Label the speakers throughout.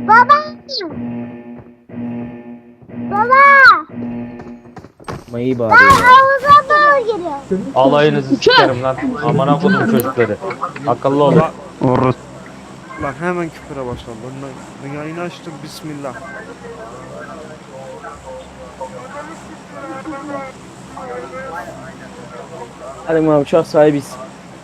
Speaker 1: Baba! Baba!
Speaker 2: Mayı
Speaker 1: Ben
Speaker 2: bağırıyor.
Speaker 1: havuza doğru giriyorum.
Speaker 3: Alayınızı sikerim lan. Amına kodum çocukları. Akıllı olun.
Speaker 4: Orası. Lan hemen küfüre başladı. Ben yayını açtım. Bismillah.
Speaker 2: Hadi abi uçak sahibiz.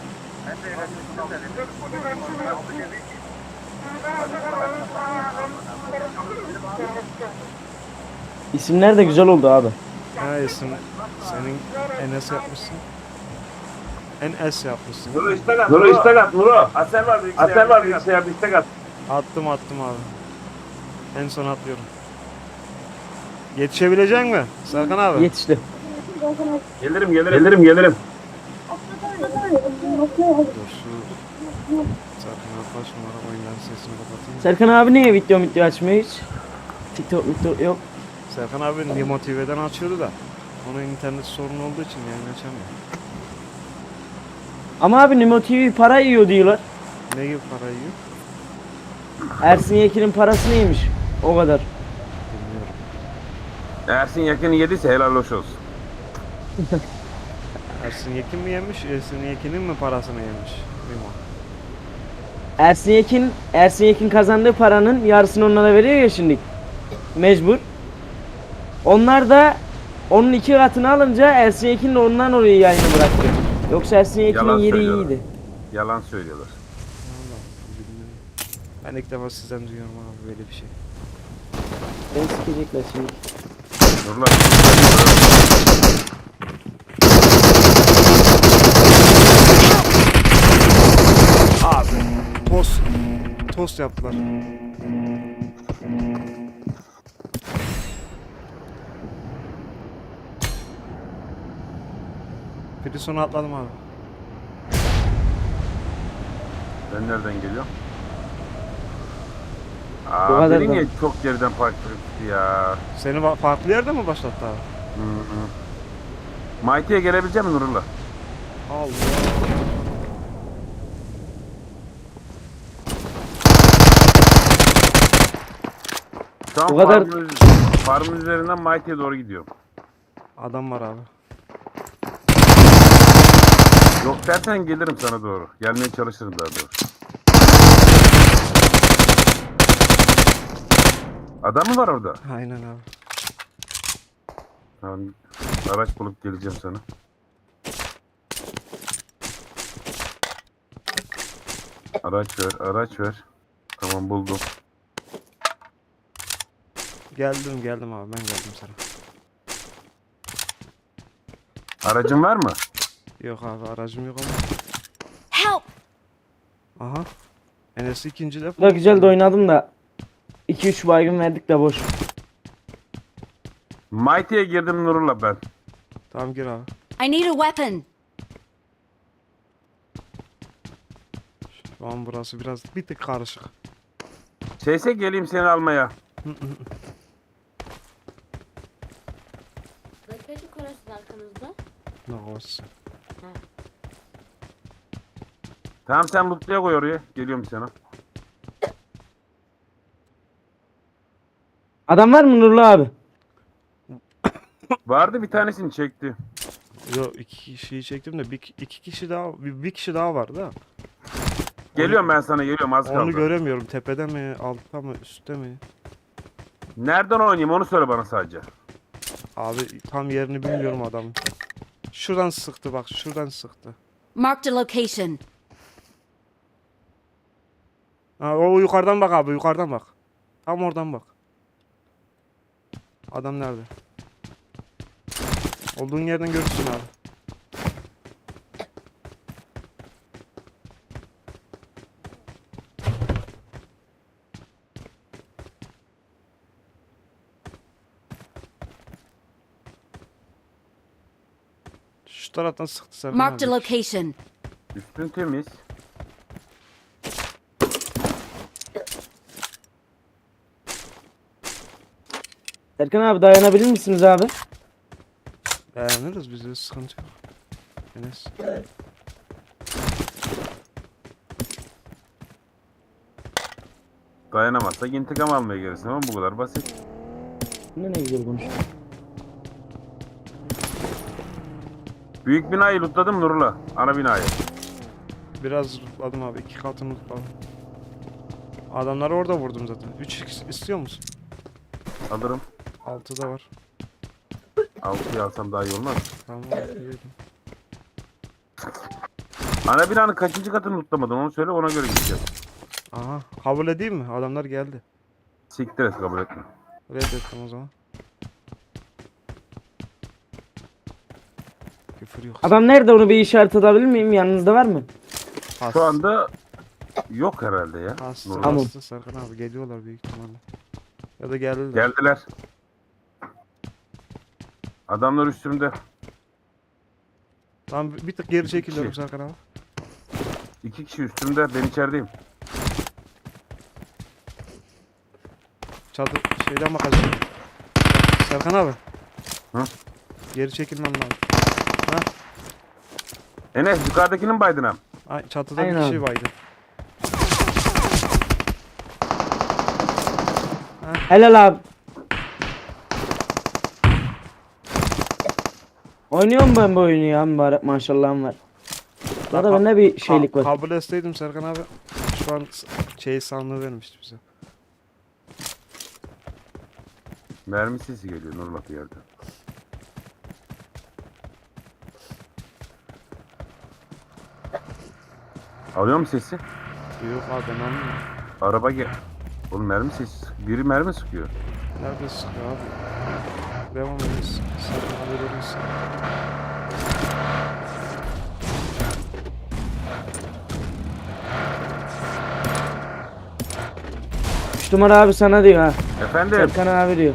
Speaker 2: İsimler de güzel oldu abi.
Speaker 4: Ha isim senin Enes yapmışsın. Enes yapmışsın.
Speaker 5: Nuro istek at. Nuro istek at. Nuro. Aser var bilgisayar. Aser var bilgisayarda istek at.
Speaker 4: Attım abi. En son atlıyorum. Yetişebilecek mi Serkan abi?
Speaker 2: Yetişti.
Speaker 5: Gelirim gelirim.
Speaker 4: Dur şu Serkan abi kaç numara oyundan sesini kapatayım.
Speaker 2: Serkan abi niye video açmıyor hiç? TikTok yok.
Speaker 4: Serkan abi Nimo TV'den açıyordu da. Onun internet sorunu olduğu için yayın açamıyor.
Speaker 2: Ama abi Nimo TV para yiyor diyorlar.
Speaker 4: Ne gibi para yiyor?
Speaker 2: Ersin Yekin'in parası neymiş? O kadar.
Speaker 4: Bilmiyorum.
Speaker 5: Ersin yakını yediyse helal hoş olsun.
Speaker 4: Ersin Yekin mi yemiş? Ersin Yekin'in mi parasını yemiş? Nimo.
Speaker 2: Ersin Yekin kazandığı paranın yarısını onlara veriyor ya şimdi. Mecbur. Onlar da onun 2 katını alınca Ersin Yekin de ondan oraya yayını bıraktı. Yoksa Ersin Yekin'in
Speaker 5: Yalan
Speaker 2: yeri
Speaker 5: söylüyorlar.
Speaker 2: iyiydi.
Speaker 5: Yalan söylüyorlar.
Speaker 4: Vallahi bilmiyorum. Ben ilk defa sizden duyuyorum abi böyle bir şey.
Speaker 2: Beni sikecekler şimdi.
Speaker 5: Nurlar.
Speaker 4: Abi tost yaptılar. Bir sonu atladım abi.
Speaker 5: Ben nereden geliyorum?
Speaker 2: Bu
Speaker 5: Aa,
Speaker 2: kadar
Speaker 5: beni
Speaker 2: da.
Speaker 5: niye çok geriden park etti ya?
Speaker 4: Seni farklı yerde mi başlattı abi?
Speaker 5: Mighty'ye gelebilecek misin Nurullah?
Speaker 4: Allah.
Speaker 5: Şu an
Speaker 2: Bu kadar-
Speaker 5: farmın üzerinden Mighty'ye doğru gidiyorum.
Speaker 4: Adam var abi.
Speaker 5: Yok dersen gelirim sana doğru. Gelmeye çalışırım daha doğrusu. Adam mı var orada?
Speaker 4: Aynen abi.
Speaker 5: Tamam. Araç bulup geleceğim sana. Araç ver. Tamam buldum.
Speaker 4: Geldim abi, ben geldim sana.
Speaker 5: Aracın var mı?
Speaker 4: Yok abi, aracım yok ama.
Speaker 1: Help!
Speaker 4: Aha. Enes'i ikinci defa.
Speaker 2: Bu da güzel de oynadım da 2-3 baygın verdik de boş.
Speaker 5: Mighty'ye girdim Nurullah ben.
Speaker 4: Tamam gir abi.
Speaker 6: I need a weapon.
Speaker 4: Şu an burası biraz bir tık karışık.
Speaker 5: Şeyse geleyim seni almaya.
Speaker 6: Bekledik orası arkanızda.
Speaker 4: Ne olsun.
Speaker 5: Tamam sen lootluya koy oraya. Geliyorum sana.
Speaker 2: Adam var mı Nurlu abi?
Speaker 5: Vardı bir tanesini çekti.
Speaker 4: Yo, iki kişiyi çektim de iki kişi daha bir kişi daha vardı ha.
Speaker 5: Geliyorum ben sana geliyorum az kaldı.
Speaker 4: Onu göremiyorum. Tepede mi, altta mı, üstte mi?
Speaker 5: Nereden oynayayım onu söyle bana sadece.
Speaker 4: Abi tam yerini bilmiyorum adamın. Şuradan sıktı bak, şuradan sıktı.
Speaker 6: Marked a location.
Speaker 4: Ha, o yukarıdan bak abi, yukarıdan bak. Tam oradan bak. Adam nerede? Olduğun yerden görürsün abi. Şu taraftan sıktı Serkan
Speaker 6: Marked a
Speaker 4: abi.
Speaker 6: location.
Speaker 5: Üstün temiz.
Speaker 2: Serkan abi dayanabilir misiniz abi?
Speaker 4: Dayanırız, bizde sıkıntı yok. Enes.
Speaker 5: Dayanamazsak intikam almaya gelirsin ama bu kadar basit.
Speaker 2: Ne güzel konuştun.
Speaker 5: Büyük binayı lootladım Nurullah. Ana binayı.
Speaker 4: Biraz lootladım abi. 2 katını lootladım. Adamları orada vurdum zaten. 3x istiyor musun?
Speaker 5: Alırım.
Speaker 4: 6 da var.
Speaker 5: 6'yı alsam daha iyi olmaz.
Speaker 4: Tamam yedim.
Speaker 5: Ana binanın kaçıncı katını lootlamadın onu söyle, ona göre gideceğiz.
Speaker 4: Aha. Kabul edeyim mi? Adamlar geldi.
Speaker 5: Siktir et, kabul etme.
Speaker 4: Reddettim o zaman. Küfür yok.
Speaker 2: Adam nerede, onu bir işaret edebilir miyim? Yanınızda var mı?
Speaker 5: Şu anda yok herhalde ya.
Speaker 4: Hasta,
Speaker 5: Nurullah.
Speaker 2: Tamam.
Speaker 4: hasta Serkan abi geliyorlar büyük ihtimalle. Ya da geldiler.
Speaker 5: Geldiler. Adamlar üstümde.
Speaker 4: Lan bir tık geri çekiliyorum Serkan abi.
Speaker 5: 2 kişi üstümde, ben içerideyim.
Speaker 4: Çatı şeyden bakacağım. Serkan abi.
Speaker 5: Hı?
Speaker 4: Geri çekilmem lazım.
Speaker 5: Enes yukarıdakinin baydına.
Speaker 4: Ay, çatıda
Speaker 2: Aynen
Speaker 4: bir kişi
Speaker 2: abi.
Speaker 4: vardı.
Speaker 2: Helal abi. Oynuyorum ben bu oyunu ya, mübarek maşallahım var. Ya da bende bir şeylik var.
Speaker 4: Kabul etseydim Serkan abi. Şu an şey sandığı vermişti bize.
Speaker 5: Mermi sesi geliyor Nurullah bir yerde. Alıyor mu sesi?
Speaker 4: Yok abi ben anlamıyorum.
Speaker 5: Araba gel. Oğlum mermi sesi. Biri mermi sıkıyor.
Speaker 4: Nerede sıkıyor abi? Devam ediniz. Serkan abi verir misin?
Speaker 2: 3 numara abi sana diyor ha.
Speaker 5: Efendim?
Speaker 2: Serkan abi diyor.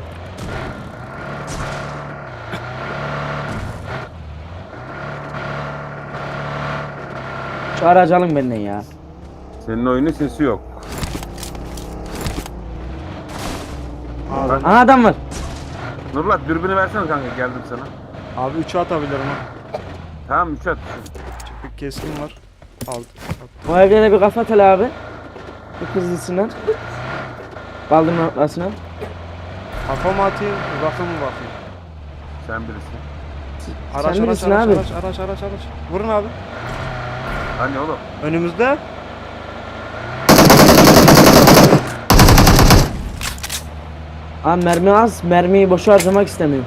Speaker 2: Şu aracı alın benden ya.
Speaker 5: Senin oyunun sesi yok.
Speaker 2: Aha adam var.
Speaker 5: Nurullah dürbünü versene kanka, geldim sana.
Speaker 4: Abi 3'ü atabilirim ha.
Speaker 5: Tamam 3 at.
Speaker 4: Bir keskin var. Aldım.
Speaker 2: O evlere bir kafa at hele abi. Bu hızlısından. Kaldırma noktasına.
Speaker 4: Kafa mı atayım, uzakta mı bakayım?
Speaker 5: Sen birisin.
Speaker 4: Araç
Speaker 2: Sen
Speaker 4: araç
Speaker 2: bilirsin
Speaker 4: araç,
Speaker 2: abi.
Speaker 4: araç. Vurun abi.
Speaker 5: Hani oğlum?
Speaker 4: Önümüzde.
Speaker 2: Abi mermi az. Mermiyi boşa harcamak istemiyorum.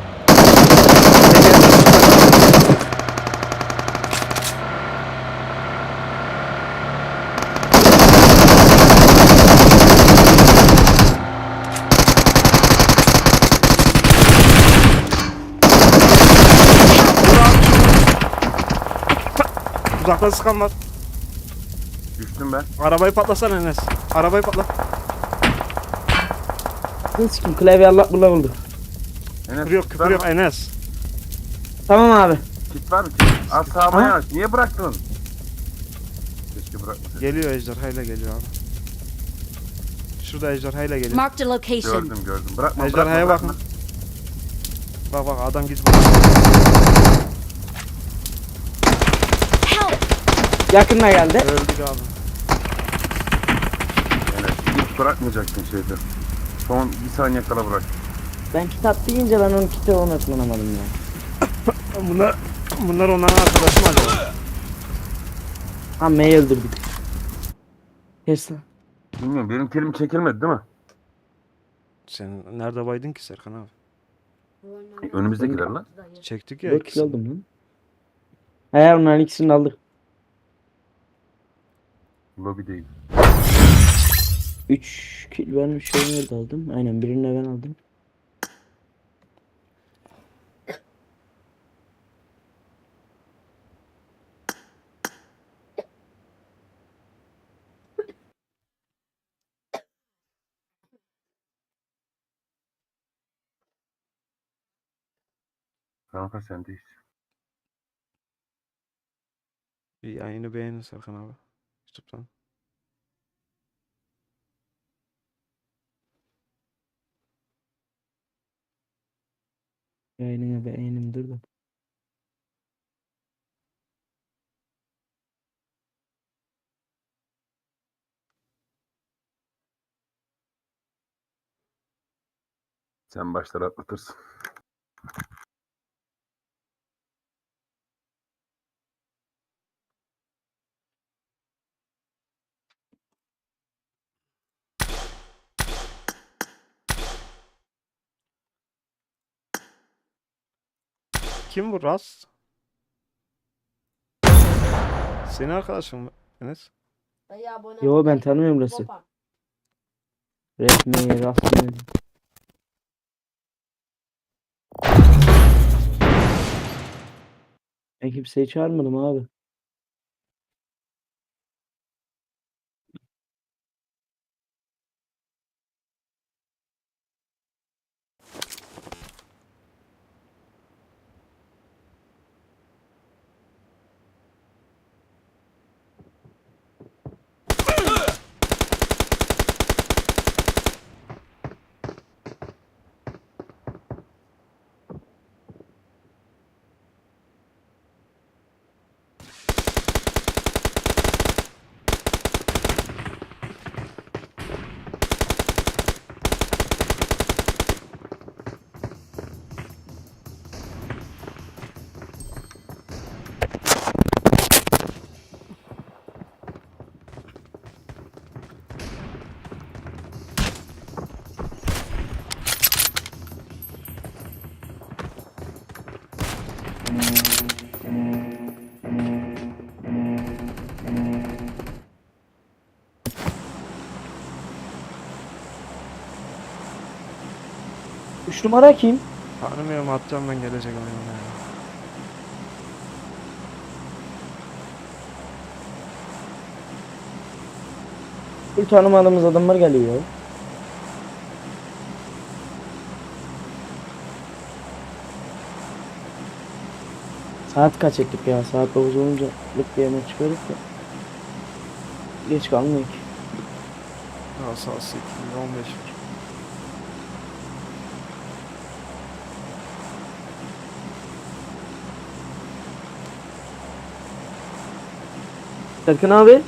Speaker 4: Uzaktan sıkan var.
Speaker 5: Düştüm ben.
Speaker 4: Arabayı patlasana Enes. Arabayı patlat.
Speaker 2: Ne sikim, klavye allak bullak oldu.
Speaker 5: Enes,
Speaker 4: Küfür yok,
Speaker 5: kit
Speaker 4: küfür
Speaker 5: var
Speaker 4: yok
Speaker 5: mı?
Speaker 4: Enes.
Speaker 2: Tamam abi.
Speaker 5: Kit var mı? Kit. Az sağıma
Speaker 2: Ha?
Speaker 5: yanaş. Niye bıraktın? Keşke bırakmasaydın.
Speaker 4: Geliyor ejderhayla geliyor abi. Şurada ejderhayla geliyor.
Speaker 6: Marked a location.
Speaker 5: Gördüm. Bırakma.
Speaker 4: Ejderhaya
Speaker 5: bırakma.
Speaker 4: bakın. Bak adam git.
Speaker 6: Help!
Speaker 2: Yakınına geldi.
Speaker 4: Öldük abi.
Speaker 5: Enes hiç bırakmayacaktın şeyde. Son bir saniye kala bırak.
Speaker 2: Ben kitap deyince ben onun kitabı unutlanamadım ya.
Speaker 4: Bunlar onların arkadaşı mı acaba?
Speaker 2: Ha M'yi öldürdük. Kes lan.
Speaker 5: Bilmiyorum, benim kelim çekilmedi değil mi?
Speaker 4: Sen nerede baydın ki Serkan abi?
Speaker 5: Önümüzdekiler lan.
Speaker 4: Çektik ya
Speaker 2: 4
Speaker 4: ikisini.
Speaker 2: kill aldım lan. He onların ikisini de aldık.
Speaker 5: Lobi değil.
Speaker 2: 3 kill ben şey nerede aldım? Aynen birini de ben aldım.
Speaker 5: Kanka sendeyiz.
Speaker 4: Bir yayını beğenin Serkan abi. YouTube'dan.
Speaker 2: Yayınına beğenim dur da.
Speaker 5: Sen başları atlatırsın.
Speaker 4: Kim bu Rast? Senin arkadaşın mı Enes?
Speaker 6: Dayı abone
Speaker 2: Yo,
Speaker 6: ol.
Speaker 2: ben tanımıyorum burası.
Speaker 6: Topa.
Speaker 2: Resmi rasmi. Ben kimseyi çağırmadım abi. Üç numara kim?
Speaker 4: Tanımıyorum, atacağım ben, gelecek oyuna ya.
Speaker 2: Bir tanımadığımız adamlar geliyor. Saat kaç ettik ya? Saat 9 olunca lık diye hemen çıkarız da. Geç kalmıyor ki.
Speaker 4: Ya saat 8:15 var.
Speaker 2: Serkan abi.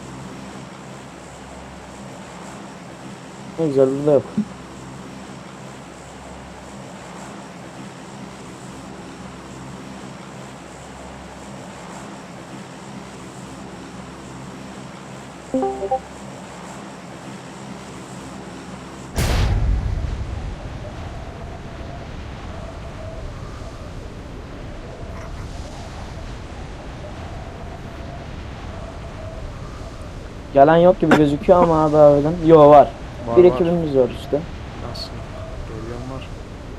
Speaker 2: Ne güzel, burada yok. Gelen yok gibi gözüküyor ama abi harbiden. Yo, var.
Speaker 4: Var,
Speaker 2: Bir
Speaker 4: var.
Speaker 2: ekibimiz var işte.
Speaker 4: Nasıl? Geliyorum var.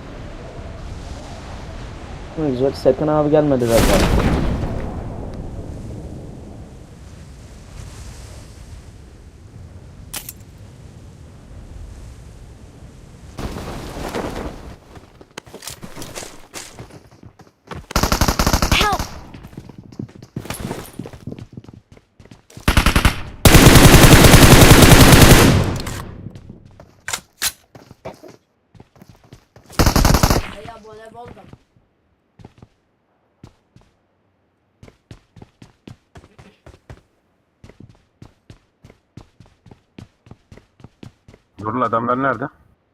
Speaker 2: Ne güzel. Serkan abi gelmedi zaten.
Speaker 1: Help!
Speaker 6: Dayı abone ol.
Speaker 5: Nurul adamlar nerede?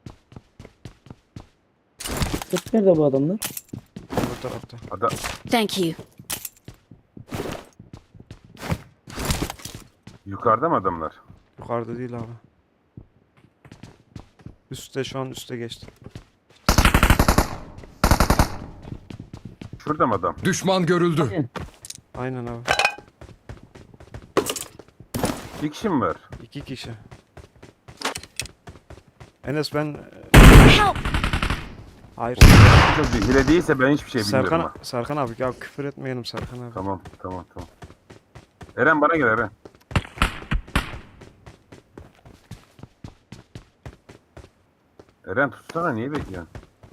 Speaker 2: Hep nerede bu adamlar?
Speaker 4: Bu tarafta.
Speaker 5: Adam
Speaker 6: Thank you.
Speaker 5: yukarıda mı adamlar?
Speaker 4: Yukarıda değil abi. Üstte, şu an üste geçti.
Speaker 5: Şurada mı adam?
Speaker 7: Düşman görüldü.
Speaker 4: Aynen abi.
Speaker 5: Bir kişi mi var?
Speaker 4: 2 kişi. Enes ben...
Speaker 1: Help!
Speaker 4: Hayır.
Speaker 5: Çok bir hile değilse ben hiçbir şey bilmiyorum.
Speaker 4: Serkan,
Speaker 5: ha.
Speaker 4: Serkan abi, ya küfür etmeyelim Serkan abi.
Speaker 5: Tamam. Eren bana gel Eren. Eren tutsana, niye bekliyorsun?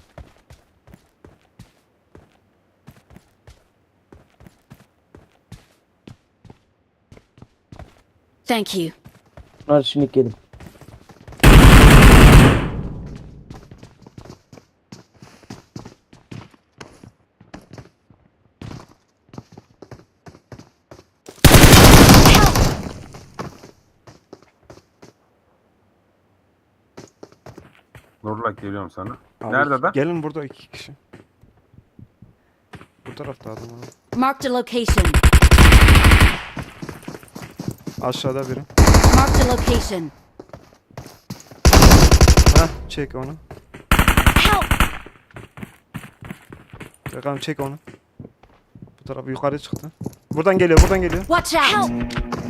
Speaker 6: Thank you.
Speaker 2: Bunlar şimdi gelin.
Speaker 5: Nurullah geliyorum sana.
Speaker 4: Abi,
Speaker 5: Nerede adam?
Speaker 4: Gelin burada 2 kişi. Bu tarafta adam abi.
Speaker 6: Marked a location.
Speaker 4: Aşağıda biri.
Speaker 6: Marked a location.
Speaker 4: Heh, çek onu.
Speaker 1: Help!
Speaker 4: Bakalım çek onu. Bu taraf yukarı çıktı. Buradan geliyor, buradan geliyor.
Speaker 6: Watch out.
Speaker 1: Help!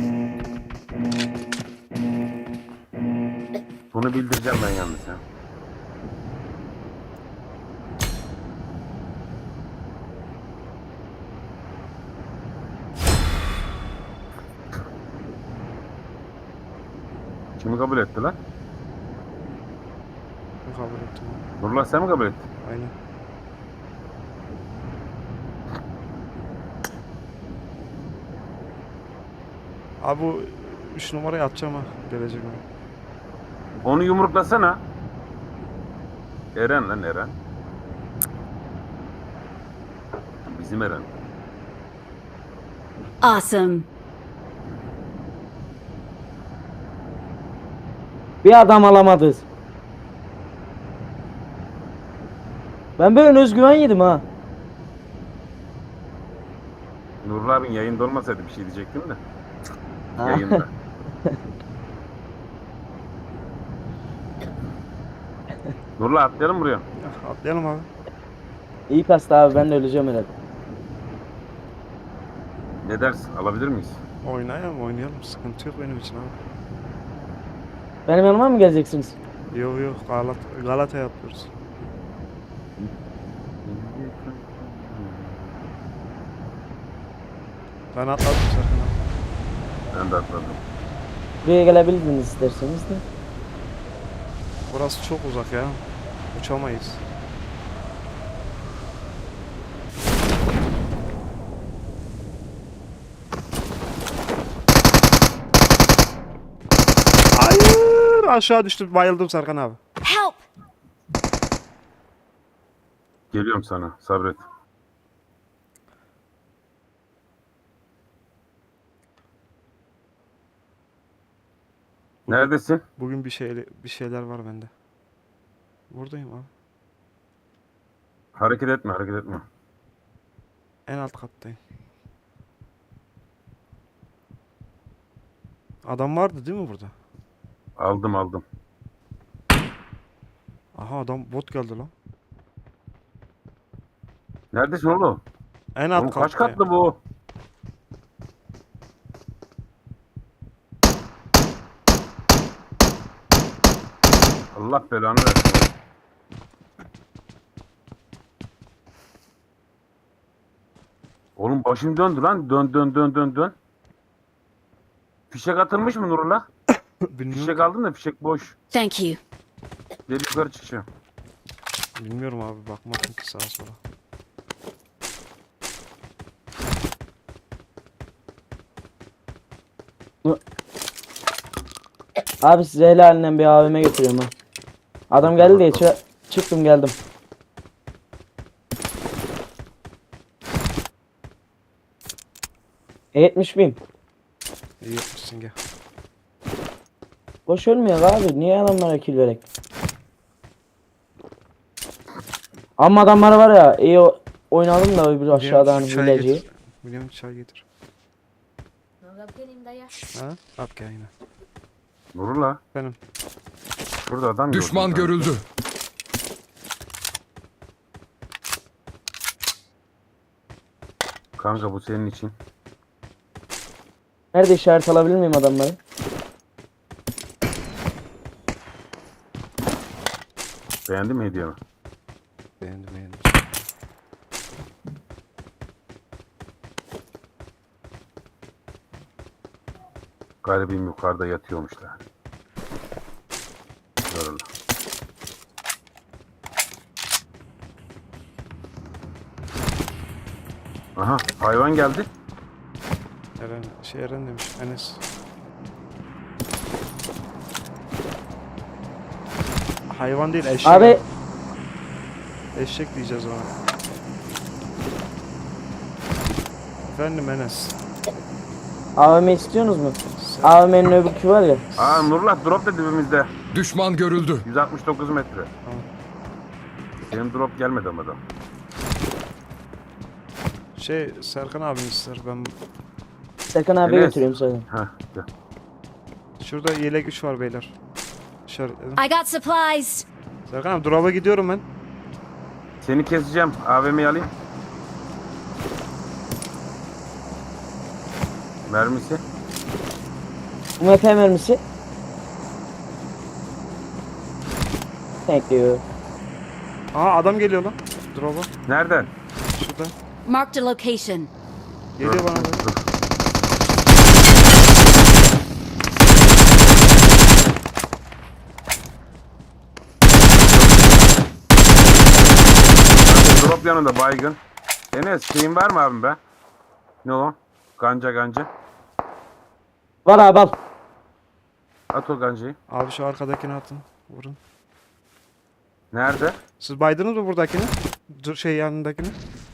Speaker 5: Bunu bildireceğim ben yalnız ya. Kimi kabul etti lan?
Speaker 4: Ben kabul ettim abi.
Speaker 5: Nurullah sen mi kabul ettin?
Speaker 4: Aynen. Abi bu 3 numarayı atacağım ha. Gelecek mi?
Speaker 5: Onu yumruklasana. Eren lan Eren. Bizim Eren.
Speaker 6: Awesome.
Speaker 2: Bir adam alamadız. Ben böyle özgüven yedim ha.
Speaker 5: Nurullah abin yayında olmasaydı bir şey diyecektim de.
Speaker 2: Ha.
Speaker 5: Yayında. Nurullah atlayalım buraya.
Speaker 4: Ya, atlayalım abi.
Speaker 2: İyi kastı abi, ben de öleceğim herhalde.
Speaker 5: Ne dersin? Alabilir miyiz?
Speaker 4: Oynayalım. Sıkıntı yok benim için abi.
Speaker 2: Benim yanıma mı geleceksiniz?
Speaker 4: Yok Galata yapıyoruz. Ben atladım Serkan abi.
Speaker 5: Ben de atladım.
Speaker 2: Buraya gelebilirsiniz isterseniz de.
Speaker 4: Burası çok uzak ya. Uçamayız. Hayır! Aşağı düştüm. Bayıldım Serkan abi.
Speaker 1: Help!
Speaker 5: Geliyorum sana. Sabret. Neredesin?
Speaker 4: Bugün bir şeyler var bende. Buradayım abi.
Speaker 5: Hareket etme, hareket etme.
Speaker 4: En alt kattayım. Adam vardı değil mi burada?
Speaker 5: Aldım.
Speaker 4: Aha adam bot geldi lan.
Speaker 5: Neredesin oğlum?
Speaker 4: En alt
Speaker 5: Oğlum kaç
Speaker 4: kattayım.
Speaker 5: katlı bu? Allah belanı versin. Oğlum başım döndü lan. Dön. Fişek atılmış mı Nurullah?
Speaker 4: Bilmiyorum.
Speaker 5: Fişek aldım da fişek boş.
Speaker 6: Thank you.
Speaker 5: Geri yukarı çıkacağım.
Speaker 4: Bilmiyorum abi bakmadım ki sağa sola.
Speaker 2: Abi size helalinden bir AVM götürüyorum ha. Adam geldi diye çıktım geldim. E70.000.
Speaker 4: İyi yapmışsın gel.
Speaker 2: Boş ölmüyor abi. Niye adamlara kill verek? Ama adamlar var ya, iyi oynadım da öbür aşağıdan hileciyi.
Speaker 4: William çay getir. Ha? At gel yine.
Speaker 5: Nurullah.
Speaker 4: Benim.
Speaker 5: Burada adam
Speaker 7: Düşman
Speaker 5: gördüm ben.
Speaker 7: görüldü.
Speaker 5: Kanka bu senin için.
Speaker 2: Nerede işaret alabilir miyim adamları?
Speaker 5: Beğendin mi hediyemi?
Speaker 4: Beğendim.
Speaker 5: Garibim yukarıda yatıyormuşlar. Nurullah. Aha hayvan geldi.
Speaker 4: Eren demiş Enes. Hayvan değil eşek.
Speaker 2: Abi
Speaker 4: Eşek diyeceğiz ona. Efendim Enes.
Speaker 2: AVM istiyorsunuz mu? AVM'nin öbürkü var ya.
Speaker 5: Aa Nurullah drop da dibimizde.
Speaker 7: Düşman görüldü.
Speaker 5: 169 metre. Benim drop gelmedi ama da.
Speaker 4: Şey Serkan abin ister ben.
Speaker 2: Serkan abiye
Speaker 5: Enes.
Speaker 2: götürüyorum sana.
Speaker 5: Heh, gel.
Speaker 4: Şurada yelek 3 var beyler. İşaretledim.
Speaker 6: I got supplies.
Speaker 4: Serkan abi drop'a gidiyorum ben.
Speaker 5: Seni keseceğim. AVM'yi alayım. Mermisi.
Speaker 2: UMP mermisi. Thank you.
Speaker 4: Aa adam geliyor lan. Drop'a.
Speaker 5: Nereden?
Speaker 4: Şurada.
Speaker 6: Marked a location.
Speaker 4: Geliyor bana da.
Speaker 5: Dur. Drop yanında baygın. Enes şeyin var mı abim be? Ne o? Ganca.
Speaker 2: Var abi al.
Speaker 5: At o gancayı.
Speaker 4: Abi şu arkadakini atın. Vurun.
Speaker 5: Nerede?
Speaker 4: Siz baydınız mı buradakini? Dur şey yanındakini.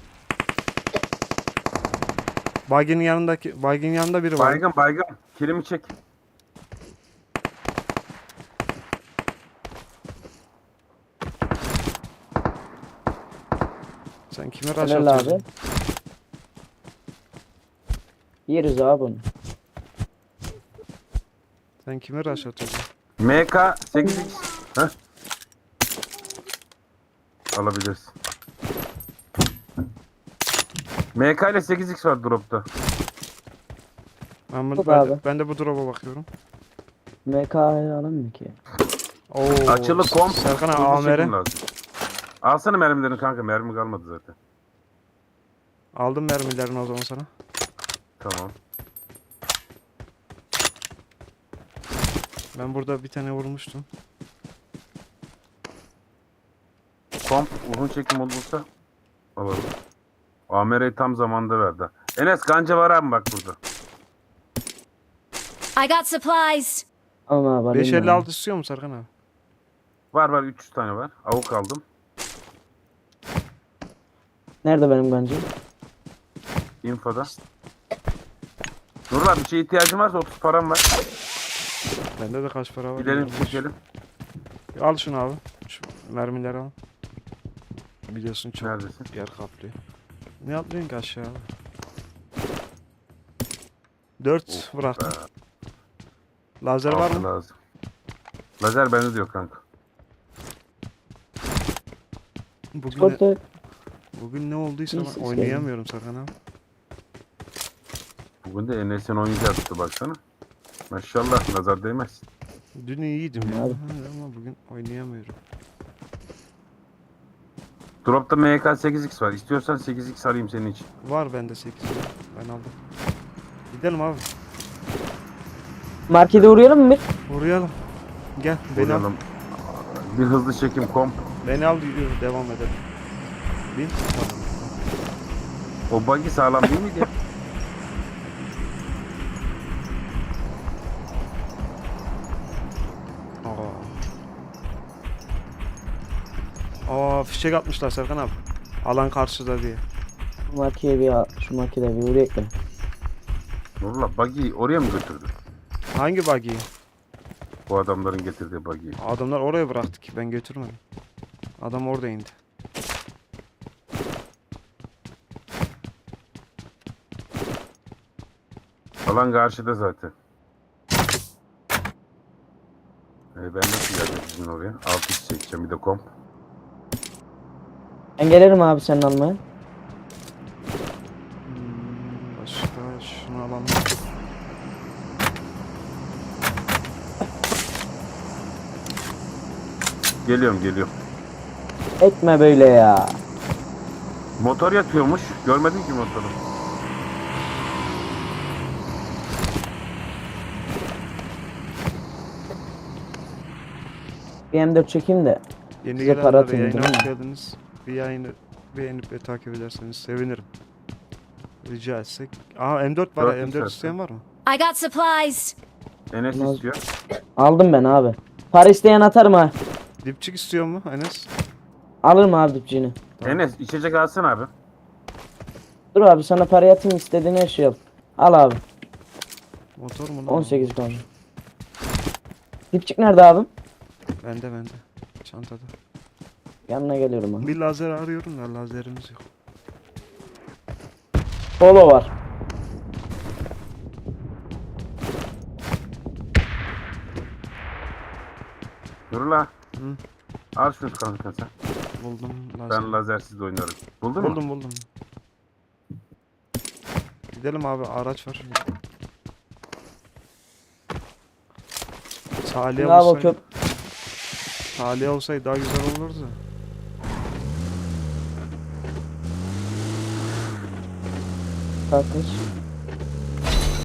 Speaker 4: Baygın'ın yanındaki, Baygın'ın yanında biri var.
Speaker 5: Baygın. Kilimi çek.
Speaker 4: Sen kime rush
Speaker 2: Helal
Speaker 4: atıyorsun?
Speaker 2: abi. Yeriz abi bunu.
Speaker 4: Sen kime rush atıyorsun?
Speaker 5: MK 8x. Heh. Alabilirsin. MK ile 8x var dropta.
Speaker 4: Ben,
Speaker 2: Yok
Speaker 4: ben,
Speaker 2: abi.
Speaker 4: ben de bu drop'a bakıyorum.
Speaker 2: MK'yı alamıyor ki.
Speaker 4: Oo,
Speaker 5: Açılı komp.
Speaker 4: Serkan abi
Speaker 5: hızlı çekim
Speaker 4: AMR.
Speaker 5: lazım. Alsana mermilerini kanka. Mermi kalmadı zaten.
Speaker 4: Aldım mermilerini o zaman sana.
Speaker 5: Tamam.
Speaker 4: Ben burada bir tane vurmuştum.
Speaker 5: Komp uzun çekim olursa alalım. AMR'yi tam zamanda verdi. Enes kanca var abi bak burada.
Speaker 6: I got supplies.
Speaker 2: Alma abi alayım ben.
Speaker 4: 556 istiyor mu Serkan abi?
Speaker 5: Var 300 tane var. Avuk aldım.
Speaker 2: Nerede benim bence?
Speaker 5: Infoda. Nurullah bir şeye ihtiyacın varsa 30 param var.
Speaker 4: Bende de kaç para var?
Speaker 5: Gidelim
Speaker 4: bilmiyorum.
Speaker 5: çekelim.
Speaker 4: Al şunu abi. Şu mermileri al. Biliyorsun çok
Speaker 5: Neredesin?
Speaker 4: yer kaplıyor. Ne atlıyorsun ki aşağı abi? 4 bıraktım. Lazer var
Speaker 5: Altı
Speaker 4: mı?
Speaker 5: lazım. Lazer bende diyor kanka.
Speaker 4: Bugün ne olduysa
Speaker 2: İyi
Speaker 4: ben
Speaker 2: ses
Speaker 4: oynayamıyorum Serkan abi.
Speaker 5: Bugün de Enes'in oyuncağı tuttu baksana. Maşallah nazar değmez.
Speaker 4: Dün iyiydim ya
Speaker 2: Abi.
Speaker 4: ama bugün oynayamıyorum.
Speaker 5: Drop'ta MK 8x var. İstiyorsan 8x alayım senin için.
Speaker 4: Var bende 8. Ben aldım. Gidelim abi.
Speaker 2: Markete uğrayalım mı bir?
Speaker 4: Uğrayalım. Gel beni al.
Speaker 5: Vuralım. Bir hızlı çekim komp.
Speaker 4: Beni al yürü devam edelim. Bin. Tamam.
Speaker 5: O buggy sağlam değil miydi?
Speaker 4: Aa fişek atmışlar Serkan abi. Alan karşıda diye.
Speaker 2: Şu markete bir uğrayalım da.
Speaker 5: Nurullah buggy oraya mı götürdü?
Speaker 4: Hangi buggy'yi?
Speaker 5: Bu adamların getirdiği buggy'yi.
Speaker 4: Adamlar oraya bıraktı ki ben götürmedim. Adam orada indi.
Speaker 5: Alan karşıda zaten. Ben nasıl geleceğim sizin oraya? 6x çekeceğim bir de komp.
Speaker 2: Ben gelirim abi senin almaya.
Speaker 4: Başka şunu alalım.
Speaker 5: Geliyorum.
Speaker 2: Etme böyle ya.
Speaker 5: Motor yatıyormuş. Görmedim ki motoru.
Speaker 2: Bir M4 çekeyim de.
Speaker 4: Yeni
Speaker 2: Size para
Speaker 4: gelenlere
Speaker 2: atayım,
Speaker 4: yayına
Speaker 2: değil
Speaker 4: hoş
Speaker 2: mi?
Speaker 4: geldiniz. Bir yayını beğenip ve takip ederseniz sevinirim. Rica etsek. Aa M4 var.
Speaker 5: Dört
Speaker 4: M4
Speaker 5: istersen.
Speaker 4: isteyen var mı?
Speaker 6: I got supplies.
Speaker 5: Enes
Speaker 2: Olmaz.
Speaker 5: istiyor.
Speaker 2: Aldım ben abi. Para isteyen atarım ha.
Speaker 4: Dipçik istiyor mu Enes?
Speaker 2: Alırım abi dipçiğini.
Speaker 5: Enes içecek alsın abi.
Speaker 2: Dur abi sana para atayım istediğin her şeyi al. Al abi.
Speaker 4: Motor mu lan?
Speaker 2: 18 kaldı. Dipçik nerede abim?
Speaker 4: Bende. Çantada.
Speaker 2: Yanına geliyorum abi.
Speaker 4: Bir lazer arıyorum da lazerimiz yok.
Speaker 2: Polo var.
Speaker 5: Dur la.
Speaker 4: Hı.
Speaker 5: Al şunu kanka sen.
Speaker 4: Buldum lazer.
Speaker 5: Ben lazersiz de oynarım. Buldun mu?
Speaker 4: Buldum. Gidelim abi, araç var. Salih
Speaker 2: Abi o
Speaker 4: olsaydı,
Speaker 2: köp
Speaker 4: Salih olsaydı daha güzel olurdu.
Speaker 2: Kalkmış.